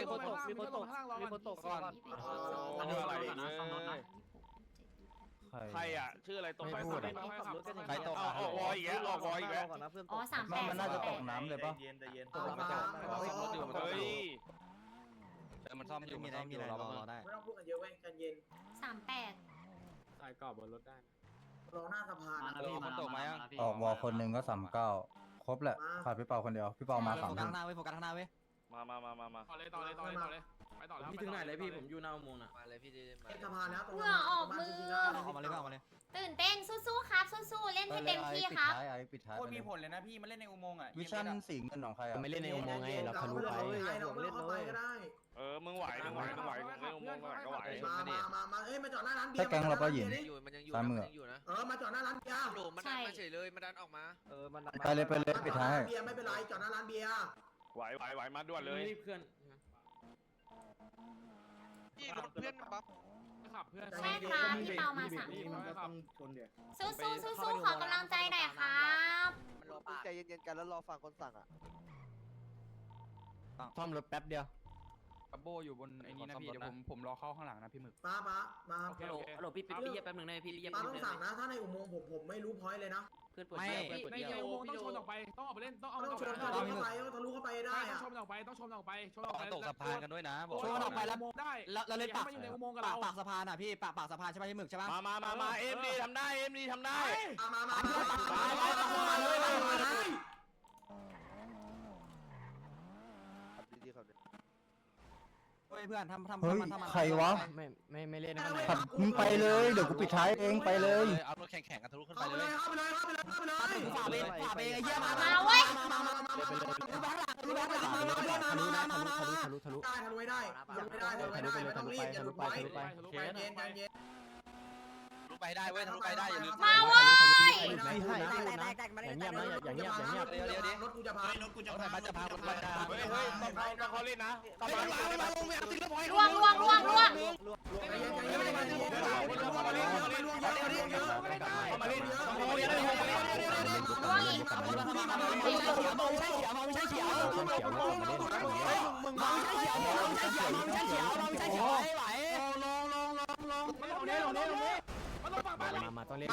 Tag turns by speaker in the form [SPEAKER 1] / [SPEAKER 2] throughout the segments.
[SPEAKER 1] ตกก่อนใครอ่ะชื่ออะไรตกไปพูดใครตกออกวอยอีกแล้วออกวอยอีกแล้ว
[SPEAKER 2] อ๋อ38
[SPEAKER 3] มันน่าจะตกน้ำเลยปะ
[SPEAKER 1] ตกไม่ตกรถอยู่เฮ้ยมันซ่อมอยู่มันซ่อมอยู่เราได้
[SPEAKER 4] ไม่ต้องพูดกันเยอะเว้ยกันเย็น
[SPEAKER 2] 38
[SPEAKER 5] ใส่กรอบบนรถได้
[SPEAKER 4] รอหน้าสะพาน
[SPEAKER 1] มันตกไหมอ่ะ
[SPEAKER 3] ออกวอลคนหนึ่งก็39ครบแหละขาดพี่เปาคนเดียวพี่เปามา3
[SPEAKER 6] โฟกัสข้างหน้าเว้ยโฟกัสข้างหน้าเว้ย
[SPEAKER 1] มา
[SPEAKER 5] ต่อเลยไปต่อแล้ว
[SPEAKER 7] พี่ถึงไหนเลยพี่ผมอยู่หน้าอุโมงค์น่ะ
[SPEAKER 6] มาเลยพี่ดีมา
[SPEAKER 4] สะพานแล้วตรง
[SPEAKER 2] เหงื่อออกมือ
[SPEAKER 6] ออกมาเลยพี่ออกมาเลย
[SPEAKER 2] ตื่นเต้นสู้ๆครับสู้ๆเล่นให้เต็มที่ครับ
[SPEAKER 3] ปิดท้าย
[SPEAKER 7] โคตรมีผลเลยนะพี่มาเล่นในอุโมงค์อ่ะ
[SPEAKER 3] วิชั่นสีเงินของใครอ่ะ
[SPEAKER 6] ไม่เล่นในอุโมงค์ไงเราทะลุไป
[SPEAKER 4] เราไม่ต้องเข้าไปก็ได้
[SPEAKER 1] มึงไหวเรื่องมงก็ไหว
[SPEAKER 4] มาเอ้ยมาจอดหน้าร้านเบียร์
[SPEAKER 3] ถ้าแก๊งเราก็หยิน
[SPEAKER 6] อยู่มันยังอยู่
[SPEAKER 3] ซ้ายมือ
[SPEAKER 6] มันยังอยู่นะ
[SPEAKER 4] มาจอดหน้าร้านเบียร์
[SPEAKER 6] โดดมันดันมาเฉยเลยมันดันออกมา
[SPEAKER 3] ไปเลยปิดท้าย
[SPEAKER 4] เบียร์ไม่เป็นไรจอดหน้าร้านเบียร์
[SPEAKER 1] ไหวมาด่วนเลย
[SPEAKER 7] เพื่อน
[SPEAKER 6] พี่รถเพื่อนปั๊บ
[SPEAKER 5] ขับเพื่อน
[SPEAKER 2] ใช่ครับพี่เปามา3คนสู้ๆขอกำลังใจหน่อยครับ
[SPEAKER 6] มันรอปะ
[SPEAKER 8] ใจเย็นๆกันแล้วรอฟังคนสั่งอ่ะ
[SPEAKER 6] ซ่อมรถแป๊บเดียว
[SPEAKER 7] กับโบอยู่บนไอ้นี่นะพี่เดี๋ยวผมรอเข้าข้างหลังนะพี่หมึก
[SPEAKER 4] มา
[SPEAKER 5] ฮัลโหลพี่เรียบแป๊บนึงนะพี่เรียบ
[SPEAKER 4] ต้องสั่งนะถ้าในอุโมงค์ผมไม่รู้พอยต์เลยนะ
[SPEAKER 5] ไม่ในอุโมงค์ต้องชนออกไปต้องออกไปเล่นต้องเอา
[SPEAKER 4] ต้องชน
[SPEAKER 5] ต้
[SPEAKER 4] ทะลุเข้าไปทะลุเข้าไปได้
[SPEAKER 5] อง
[SPEAKER 4] อะ
[SPEAKER 5] ชนออกไปต้องชนออกไป
[SPEAKER 1] ตกสะพานกันด้วยนะบอก
[SPEAKER 5] ชนออกไปแล้วได้
[SPEAKER 6] เราเล่นปาก
[SPEAKER 5] มาอยู่ในอุโมงค์กับ
[SPEAKER 6] ปา
[SPEAKER 5] เรา
[SPEAKER 6] กปากสะพานอ่ะพี่ปากสะพานใช่ไหมพี่หมึกใช่ปะ
[SPEAKER 1] มาเอ็มดีทำได้
[SPEAKER 4] มาเลย
[SPEAKER 8] ดีๆครับ
[SPEAKER 6] เฮ้ยเพื่อนทำ
[SPEAKER 3] เฮ้ยใครวะ
[SPEAKER 6] ไม่เล่นนะ
[SPEAKER 3] ขับมึงไปเลยเดี๋ยวกูปิดท้ายเองไปเลย
[SPEAKER 1] เอารถแข่งกันทะลุขึ้นไป
[SPEAKER 4] เข้าไป
[SPEAKER 1] เล
[SPEAKER 4] เลย ยเข้าไปเลยเข้าไปเลยเข้าไปเลย
[SPEAKER 6] ฝ่าเบไอ้เหี้ยมา
[SPEAKER 2] เว้ย
[SPEAKER 4] ได้ทะลุไม่ได้ไม่ต้องรีบอย่าหลุดไปเย็น
[SPEAKER 1] ทะลุไปได้เว้ยทะลุไปได้อย่าลืม
[SPEAKER 2] มาเว้ย
[SPEAKER 8] อย่างเงียบนะอย่างเงียบ
[SPEAKER 4] รถกูจะพาร
[SPEAKER 1] ถกูจะพาคนไปเฮ้ยต้องเขาเล่นนะต้องมาลงไปเอาติ๊กเกอร์พอยต์
[SPEAKER 2] ล่วง
[SPEAKER 4] มาล่วงเยอะ
[SPEAKER 2] ล่วงอีก
[SPEAKER 5] มาต้องเล่น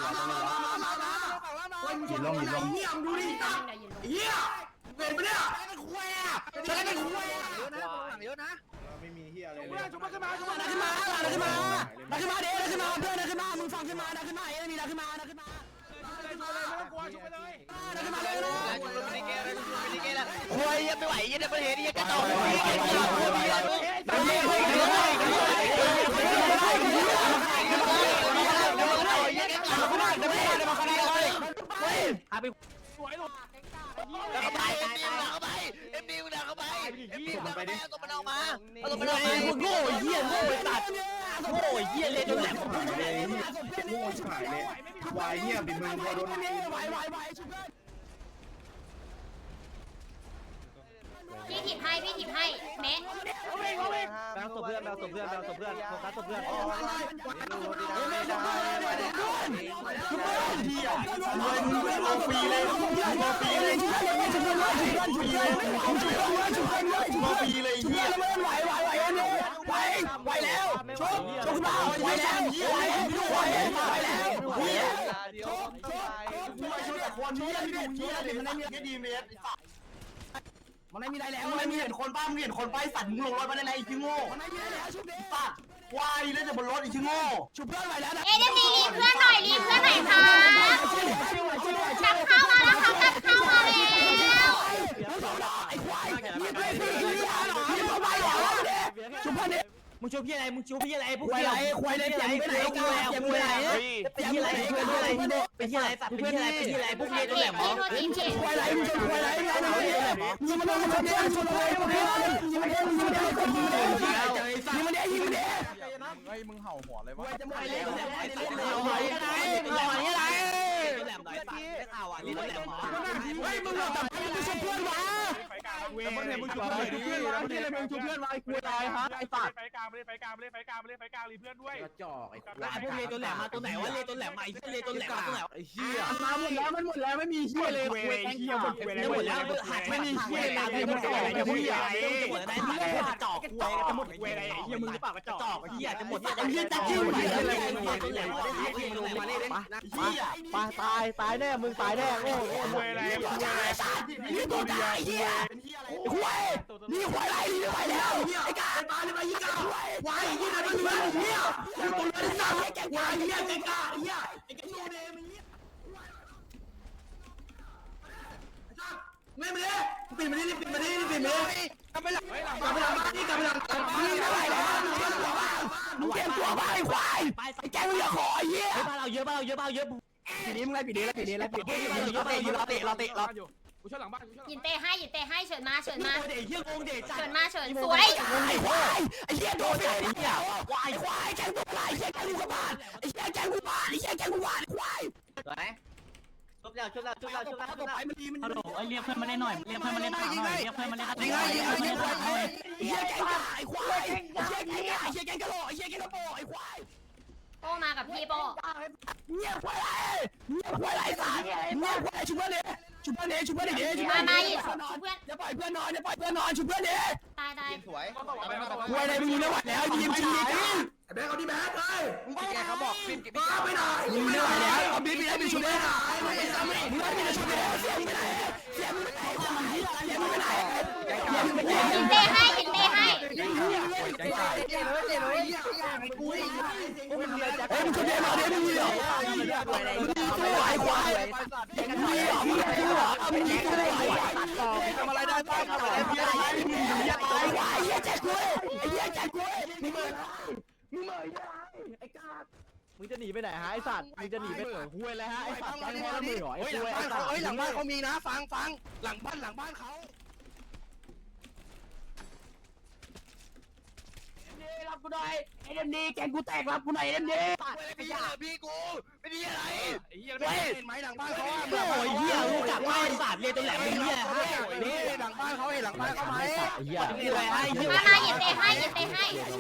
[SPEAKER 3] หยินลง
[SPEAKER 4] เงียบดูดิเฮียเป็นไปเนี่ยจะได้เป็นคุย
[SPEAKER 6] เยอะนะ
[SPEAKER 7] ไม่มีเฮียอะไร
[SPEAKER 5] เพื่อนชุบมาขึ้นมา
[SPEAKER 6] มึงฟังขึ้นมาขึ้นมาเอ้ยมีขึ้นมาขึ้นมา
[SPEAKER 5] ไม่ต้องกลัวชุบไปเลย
[SPEAKER 6] โอ้ยยังไม่ไหวยังไม่เห็นยังกระโดด
[SPEAKER 5] สวยหลบ
[SPEAKER 6] เข้าไปเอ็มดีมึงเข้าไปตัวมันออกมาตัวมันออกมาโง่เหี้ยตัดโง่เหี้ยเลยโดนแหลม
[SPEAKER 7] โง่ชิบหายเลยวายเงียบดิมึงพอโดน
[SPEAKER 2] พี่ถีบให้เมะ
[SPEAKER 8] แบงค์ศพเพื่อนโฟกัสศพเพื่อน
[SPEAKER 4] มันไม่มีอะไรแล้วมันไม่มีเห็นคนป้ามึงเห็นคนป้าสัตว์มึงลงรถมาได้ไงอีกโง่มันไม่มีอะไรแล้วชุบเด็กสัตว์วายเล่นแต่บนรถอีกโง่ชุบเพื่อนไหวแล้วนะ
[SPEAKER 2] เอ็มดีรีเพื่อนหน่อยครับกลับเข้ามาแล้วครับกลับเข้ามาแล้ว
[SPEAKER 4] ชุบเพื่อนเนี่ย
[SPEAKER 6] มึงชูพี่อะไรพวก
[SPEAKER 4] ควายไรควายไรเจ็บไปไหนกูแล้วเจ็บไปไหน
[SPEAKER 6] เป็นที่อะไรสัตว์เป็นที่อะไรพวกนี้ตัวแหลม
[SPEAKER 2] โทษทีพี่
[SPEAKER 4] ควายไรมึงชนควายไรยิงมันเลยชนเนี่ยชนควายยิงมันเลยยิงมันเลยยิงมันเลยยิงมันเลยยิงมันเลย
[SPEAKER 3] เฮ้ยมึงเห่าหัวเลยวะ
[SPEAKER 4] จะหมดเลย
[SPEAKER 6] แหลมหน่อยสัตว์ได้ข่าวอ่ะนี่แหละ
[SPEAKER 4] เฮ้ยมึงหลอกแบบมึงชมเพื่อนวะ
[SPEAKER 5] เว้ยมึงชุบเพื่อนดิมึงนี่เลยมึงชุบเพื่อนไว้กูตายฮะไอ้สัตว์
[SPEAKER 1] ไฟกลางไปเลยไฟกลางไปเลยไฟกลางไปเลยไฟกลางรีเพื่อนด้วย
[SPEAKER 7] กระจอกไอ้
[SPEAKER 6] ไอ้พวกเลตัวแหลมมาตัวไหนวะเลตัวแหลมมาไอ้เลตัวแหลมมาตัวไหน
[SPEAKER 7] ไอ้เหี้ย
[SPEAKER 5] มาหมดแล้วมันหมดแล้วไม่มีเหี้ยเลยเว้ยเหี้ยหมด
[SPEAKER 6] จะหมดแล้วหักไม่มีเหี้ยเลยจะหมดอะไรจะหมดอะไรจะหมดอะไรกระจอกเว้ยจะหมดเว้ยอะไรเหี้ยมึงหรือเปล่ากระจอกเหี้ยจะหมดไอ้เหี้ยจะจิ้มอะไรตัวแหลมมาเล่น
[SPEAKER 5] ตายแน่มึงตายแน่โง่
[SPEAKER 1] เวยอะไรเวยอะไร
[SPEAKER 4] นี่ตัวตายเหี้ยคุยนี่คุยอะไรนี่ไปแล้วไอ้กาไอ้ปลาเลยมายี่กาวายยี่ไหนมันมาเหี้ยนี่ตัวเลือดสั่งไอ้แกวายเหี้ยไอ้กาเหี้ยไอ้แกโนเดมันเหี้ยไม่มาเลยปิดมาดิปิดมาดิปิดมาดิกลับไปหลังบ้านนี่กลับไปหลังบ้านนี่ไม่ไหวแล้วมึงเตรียมตัวบ้านไอ้ควายไอ้แกมึงอย่าขอไอ้เหี้ย
[SPEAKER 6] บ้านเราเยอะบ้านเราเยอะบ้านเราเยอะ
[SPEAKER 5] ปีนี้มึงไล่ปีนี้แล้วปีนี้แล้วปีนี้เราเตะอยู่กูช่วยหลังบ้าน
[SPEAKER 2] ยินเตะให้เฉินมา
[SPEAKER 6] เด็กเหี้ยงงเด็กจัด
[SPEAKER 2] เฉินสวย
[SPEAKER 4] ไอ้ควายไอ้เหี้ยโดนไอ้เหี้ยควายแกงตัวอะไรไอ้เหี้ยแกงกูกบาดไอ้เหี้ยแกงกูบาดไอ้เหี้ยแกงกูบาดไอ้ควาย
[SPEAKER 6] ไหนชุบแล้วไปมันดีมัน
[SPEAKER 8] ฮัลโหลเรียกเพื่อนมาเล่นหน่อยเรียกเพื่อนมาเล่นหน่อยเรียกเพื่อนมาเล่นหน่อย
[SPEAKER 4] ไอ้เหี้ยแกงกาไอ้ควายไอ้เหี้ยแกงกาไอ้เหี้ยแกงกะโหลไอ้เหี้ยแกงกระโปไอ้ควาย
[SPEAKER 2] โป้มากับพี่โป้
[SPEAKER 4] เงียบควายไรสัตว์เงียบควายชุบเพื่อนดิชุบเพื่อนดิชุบเพื่อนดิชุบ
[SPEAKER 2] มา
[SPEAKER 4] เพื่อน
[SPEAKER 2] หยิบ
[SPEAKER 4] ดิ
[SPEAKER 2] เพื่อน
[SPEAKER 4] อย่าปล่อยเพื่อนนอนอย่าปล่อยเพื่อนนอนชุบเพื่อนดิ
[SPEAKER 2] ตาย
[SPEAKER 6] สวย
[SPEAKER 4] ควายอะไรมึงไม่ไหวแล้วยิงจริงดิแบงค์เอาดิแบงค์เลย
[SPEAKER 6] แกเขาบอกฟิล์มกิ
[SPEAKER 4] มาไปไหนมึงไม่ไหวแล้วเอาบิ๊กไปได้บิ๊กชุบเด้นะมึงไม่ได้ชุบเด้เสียงไปไหนเสียงไปไหนเสียงไปไหน
[SPEAKER 2] ยินเตะให้
[SPEAKER 4] ไอ้มึงชุบเด้มาเด้มึงเหรอไอ้ควายมึงเหรอมึงเหรอมึงยิงกูเลยทำอะไรได้บ้างทำอะไรได้บ้างมึงเหี้ยตายไอ้เหี้ยแจ็คกุ้ยไอ้เหี้ยแจ็คกุ้ยมึงเหม่อไอ้กา
[SPEAKER 5] มึงจะหนีไปไหนฮะไอ้สัตว์มึงจะหนีไปเหนือห้วยแล้วฮะไอ้สัตว์ใจร้อนมือหรอไอ้
[SPEAKER 4] ห
[SPEAKER 5] ห้วย
[SPEAKER 4] ลังบ้านเขาหลังบ้านเขามีนะฟังหลังบ้านเขารับกูหน่อยไอ้เดมดีแกงกูแตกรับกูหน่อยเดมดีพี่กูไม่ดีอะไรเห็นไหมหลังบ้านเขาโอ้ยเหี้ยรู้จักว่าไอ้สัตว์เรียนตัวแหลมเหี้ยนี่หลังบ้านเขาเห็นหลังบ้านเขาไหมเหี้ยมีอะไรให้เหี้ย
[SPEAKER 2] มายินเตะให้
[SPEAKER 4] แกง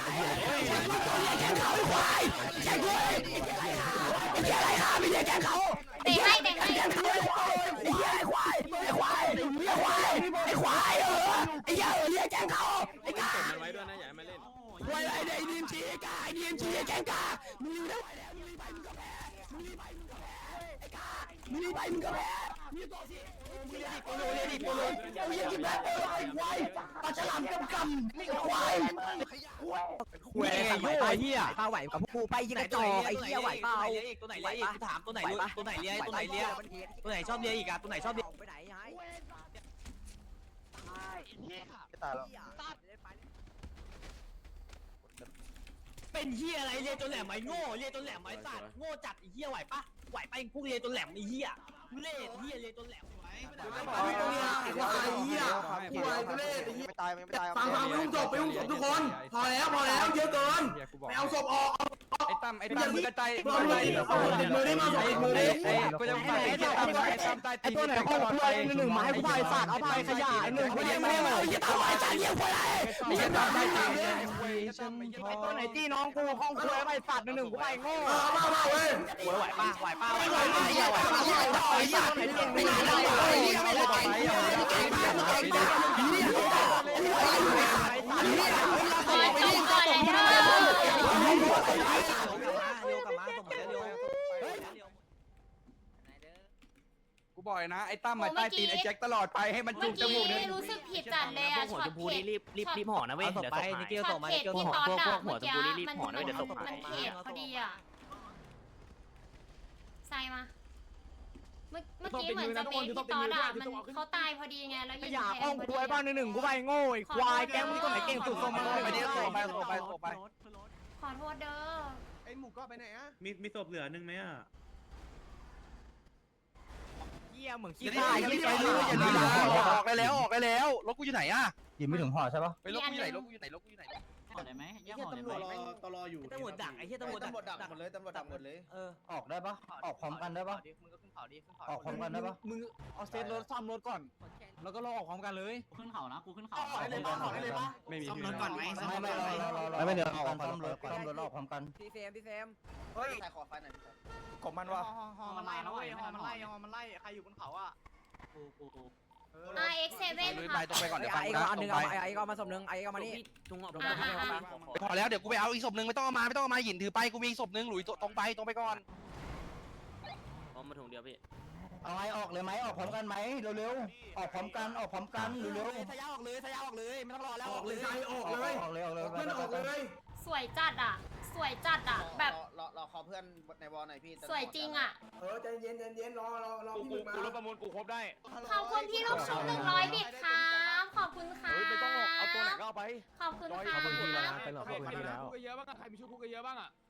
[SPEAKER 4] เขาควายแกงกูไอ้เหี้ยอะไรฮะไม่ใช่แกงเขา
[SPEAKER 2] เตะให้
[SPEAKER 4] ไอ้เหี้ยควายไอ้ควายเรียกแกงเขาไอ้กามันไว้ด้วยนะอย่ามาเล่นไว้ไอ้ดีมจีกาไอ้ดีมจีแกงกามึงได้มึงรีบไปมึงก็แพ้มึงรีบไปมึงก็แพ้ไอ้กามึงรีบไปมึงก็แพ้มึงต่อสิมึงเรียกโปโลมึงยิงแบบไอ้ควายปลาฉลามกำไม่ควาย
[SPEAKER 5] ห้วยโย่เหี้ยปลาไหวกับพวกกูไปยิงกระจอกไอ้เหี้ยไหวเปล่า
[SPEAKER 6] ตัวไหนเลี้ยอีกถามตัวไหนเลี้ยตัวไหนชอบเลี้ยอีกอ่ะตัวไหนชอบเลี้ย
[SPEAKER 8] ไปไหนไอ้
[SPEAKER 6] เป็นเหี้ยอะไรเลี้ยตัวแหลมไอ้โง่เลี้ยตัวแหลมไอ้สัตว์โง่จัดไอ้เหี้ยไหวปะไหวไปพวกเลี้ยตัวแหลมไอ้เหี้ยเล่เหี้ยเลี้ยตัวแหลมไหว
[SPEAKER 4] ฟังลุงจบไปลุงจบทุกคนพอแล้วเยอะเกินไปเอาศพออก
[SPEAKER 5] ไอ้ตั้มมือกระจาย
[SPEAKER 4] มือได้มามือได้
[SPEAKER 5] กูจะไปไอ้ตั้มไอ้ตัวไหนข้อควายหนึ่งไม้ควายสัตว์เอาไปขยะไอ้หนึ่งควายไม่ได้
[SPEAKER 4] อย่าทำไอ้จานเยี่ยมควายไม่ใช่ตามได้จริง
[SPEAKER 5] ไอ้ตัวไหนจี้น้องกูข้องควายไปสัตว์หนึ่งกูไปโง่
[SPEAKER 4] มาเว้ย
[SPEAKER 6] ไหวปะไหวปะ
[SPEAKER 4] ไม่ไหวไอ้สัตว์ไม่ไหวไม่ไหว
[SPEAKER 5] กูบอกนะไอ้ตั้มมาใต้ตีนไอ้แจ็คตลอดไปให้มัน
[SPEAKER 2] เมื่
[SPEAKER 5] จุ
[SPEAKER 2] อก
[SPEAKER 5] จมูก
[SPEAKER 2] กี้
[SPEAKER 5] เนี่ย
[SPEAKER 2] รู้สึกผิดจัดเลยอะช็อตเขต
[SPEAKER 6] รีบห่อนะเว้ยเดี๋ยวตก
[SPEAKER 2] ช็อตเขตที่ตอนอะเมื่อกี้มันเขตพอดีอะใส่มาเมื่อกี้เหมือนจะเป็นที่ตอนอะมันเขาตายพอดีไงแล้วยิง
[SPEAKER 5] อย่า
[SPEAKER 2] แท
[SPEAKER 5] ข้อง
[SPEAKER 2] นพอ
[SPEAKER 5] ควาย
[SPEAKER 2] ดี
[SPEAKER 5] บ้านหนึ่งกูไปโง่ไอ้ควายแกมึงตัวไหนเก่งสุดส่งมาเลย
[SPEAKER 4] ไปเดี๋ยวไป
[SPEAKER 2] ขอโทษเด้อ
[SPEAKER 5] ไอ้หมูก็ไปไหนอะ
[SPEAKER 7] มีศพเหลือนึงไหมอ่ะ
[SPEAKER 5] เหี้ยเหมือนขี้ข้าเหี้ยแกรู้อย่าดีออกได้แล้วรถกูอยู่ไหนอะ
[SPEAKER 3] ยิงไม่ถึงห่อใช่ปะ
[SPEAKER 5] ไปรถกูอยู่ไหน
[SPEAKER 6] ได้ไหม
[SPEAKER 8] ไอ้เหี้ยตำรวจ
[SPEAKER 7] ตลออยู่
[SPEAKER 8] ตำรวจดักไอ้เหี้ยตำรวจดัก
[SPEAKER 7] หมดเลยตำรวจดักหมดเลย
[SPEAKER 3] ออกได้ปะออกพร้อมกันได้ปะ
[SPEAKER 6] มึงก็ขึ้นเขาดิขึ้นเขา
[SPEAKER 3] ออกพร้อมกันได้ปะ
[SPEAKER 5] มึงเอาเซตรถซ่อมรถก่อนแล้วก็รอออกพร้อมกันเลย
[SPEAKER 6] ขึ้นเขานะกูขึ้นเขา
[SPEAKER 5] ไม่มี
[SPEAKER 6] ซ่อมรถก่อนไหม
[SPEAKER 3] ไม่รอไม่เดี๋ยวออกซ่อมรถออกพร้อมกัน
[SPEAKER 8] พี่เฟม
[SPEAKER 7] เฮ้ยใครขอไฟหน่อยพี่
[SPEAKER 5] ของมันวะ
[SPEAKER 6] ฮอมันไล่นะเว้ยฮอมันไล่ใครอยู่บนเขาอ่ะกู
[SPEAKER 2] RX7
[SPEAKER 1] ลุย
[SPEAKER 2] ค่ะ
[SPEAKER 1] ไปตรงไปก่อนเดี๋ยวฟัง
[SPEAKER 8] ไอ้
[SPEAKER 1] นะ
[SPEAKER 8] ก็อัน
[SPEAKER 1] ต
[SPEAKER 8] นึ
[SPEAKER 1] รง งไป
[SPEAKER 8] ไอ้ก็มาสมนึงไอ้ก็มานี่
[SPEAKER 6] จุงออก
[SPEAKER 1] พอแล้วเดี๋ยวกูไปเอาอีกศพนึงไม่ต้องเอามาหยินถือไปกูมีอีกศพนึงหลุยตรงไปก่อน
[SPEAKER 6] ผมมาถุงเดียวพี่
[SPEAKER 3] เอาไงออกเลยไหมออกพร้อมกันไหมเร็วๆออกพร้อมกันเร็วๆ
[SPEAKER 8] ทะยาออกเลยไม่ต้องรอแล้ว
[SPEAKER 3] ออกเลยออกเลย
[SPEAKER 2] สวยจัดอ่ะแบบ
[SPEAKER 7] รอขอเพื่อนในวอลหน่อยพี่
[SPEAKER 2] สวยจริงอ่ะ
[SPEAKER 7] ใจเย็นรอพี่มึงมา
[SPEAKER 1] กูรถประมูลกูครบได้
[SPEAKER 2] ขอบคุณพี่ลูกชุบ100 บิตครับขอบคุณค่ะ
[SPEAKER 1] เฮ้ยไม่ต้องเอาตัวไหนก็เอาไป
[SPEAKER 2] ขอบคุณค่ะ
[SPEAKER 5] ขอบคุณพี่แล้วนะเป็นหลอกขอบคุณพี่แล้ว
[SPEAKER 6] เยอะบ้างใครมีชุดคุกเยอะบ้างอ่ะ